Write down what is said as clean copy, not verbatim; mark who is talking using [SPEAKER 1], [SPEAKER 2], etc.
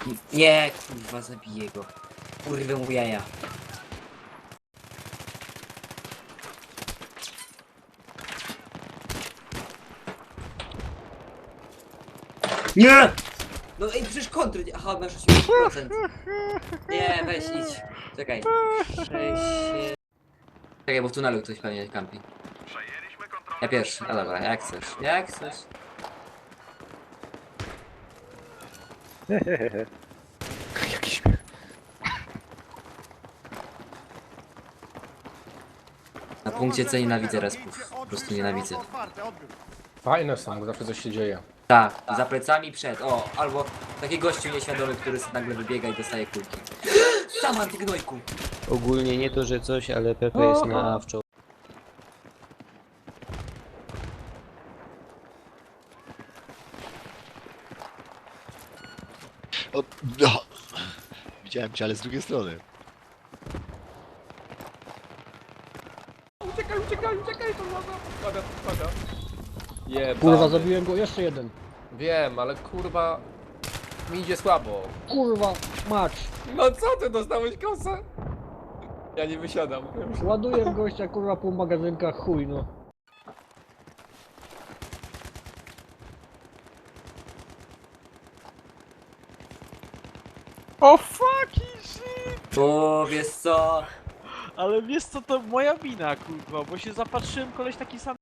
[SPEAKER 1] Nie, kurwa, zabiję go. Kurwę mu jaja. Nie! No ej, przecież kontry... Aha, masz 80%. Nie, weź idź. Czekaj. 6... Czekaj, bo w tunelu ktoś pewnie kampi. Ja pierwszy. No dobra, jak chcesz. Jak chcesz.
[SPEAKER 2] Jaki śmiech.
[SPEAKER 1] Na punkcie C nienawidzę respów. Po prostu nienawidzę.
[SPEAKER 2] Fajne są, bo zawsze coś się dzieje.
[SPEAKER 1] Tak, za plecami przed. O, albo taki gościu nieświadomy, który sobie nagle wybiega i dostaje kulki. Sama ty gnojku.
[SPEAKER 3] Ogólnie nie to, że coś, ale Pepe jest na wczoraj.
[SPEAKER 4] O, no. Widziałem cię, ale z drugiej strony.
[SPEAKER 2] Uciekaj, to podpada. Jebany.
[SPEAKER 5] Kurwa, zabiłem go, jeszcze jeden.
[SPEAKER 2] Wiem, ale kurwa... Mi idzie słabo.
[SPEAKER 5] Kurwa, mać.
[SPEAKER 2] No co ty, dostałeś kosę? Ja nie wysiadam.
[SPEAKER 5] Ładuję w gościa, kurwa, pół magazynka, chuj no.
[SPEAKER 6] O fucking shit!
[SPEAKER 1] O, wiesz co?
[SPEAKER 6] Ale wiesz co, to moja wina, kurwa, bo się zapatrzyłem, koleś taki sam